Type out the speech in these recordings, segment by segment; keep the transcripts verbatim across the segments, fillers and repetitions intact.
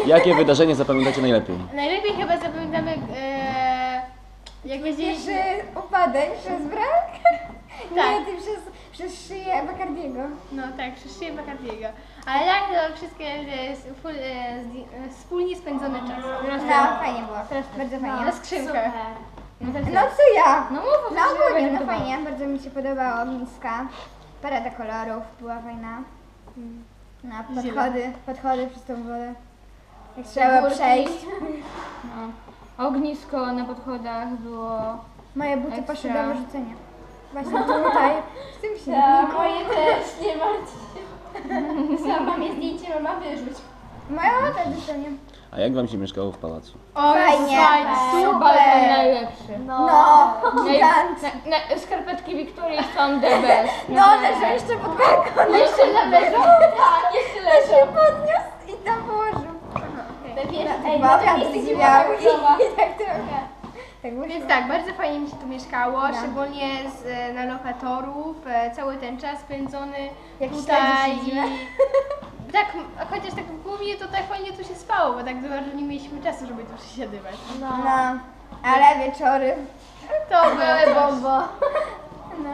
Jakie wydarzenie zapamiętacie najlepiej? Najlepiej chyba zapamiętamy, e, jak będziesz... Pierwszy upadek przez brak? Tak. Nie, ty przez, przez szyję Bacardiego. No tak, przez szyję Bacardiego. Ale tak, to wszystkie e, full, e, zdi- e, wspólnie spędzony czas. No, fajnie było. Bardzo fajnie. Na skrzynkach. No co ja? No mów, No ogólnie, no fajnie. Bardzo mi się podobało miska. Parada kolorów była fajna. No, podchody, podchody przez tą wodę. Jak trzeba Górki. przejść. No. Ognisko na podchodach było. Moje buty Ekstra. poszły do wyrzucenia. Właśnie tutaj, w tym Tak. silniku. Moje też, nie martw się. Sama mamie zdjęcie, mama wyrzuć. Moja mama też dostanie. A jak wam się mieszkało w pałacu? O, Fajnie. Super! Balkon najlepszy. No, Naj- gigant. na, na, skarpetki Wiktorii są the best. No, leżę jeszcze pod balkonem. Jeszcze leżą? Tak, jeszcze To się leżą. podniósł i tam położył. Te wiesz, Tak, ej, chyba na wiatr miejsce, gdzie zwiał mama i, chodziła. i tak trochę. Tak wyszło. Więc tak, bardzo fajnie mi się tu mieszkało, No. szczególnie z, e, na lokatorów, e, cały ten czas spędzony Jak tutaj śledzi siedzimy. tak, a chociaż tak głównie to tak fajnie tu się spało, bo tak za bardzo nie mieliśmy czasu, żeby tu przesiadywać. No, ale wieczory. To były bombo. No.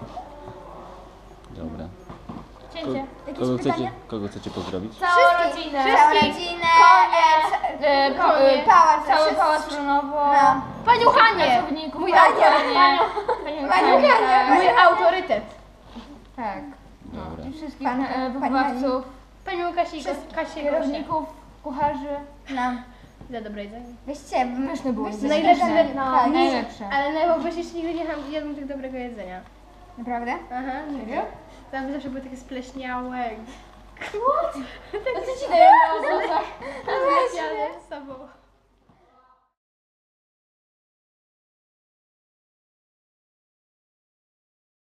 Dobra. Cięcie. Jakieś Kogo chcecie, pytania? kogo chcecie pozdrowić? Całą Wszystkich. rodzinę. Całą Wszystkich. rodzinę. E, E, pa, Konie. e, pałac. cały wszyscy- pałac Runowo. No. Panią Hanię! Pracowników. Mój Panią autorytet. Hanię. Panią Panią Hanię, Hanię, tak. Mój autorytet. Tak. No. Dobra. I wszystkich Pan- e, pani wychowawców, Panią Kasię, Wszystkich Kasię kierowników, kucharzy. No. Za dobre jedzenie. Weźcie, Pyszne było weźcie jedzenie. Najlepsze, pytanie. no, Tak. Najlepsze. Ale najlepsze jeszcze nigdy nie jadłam- jadłam tak dobrego jedzenia. Naprawdę? Aha, serio? Tam zawsze były takie spleśniałe. A co ci daje na ozocach? Spleśniałe z sobą.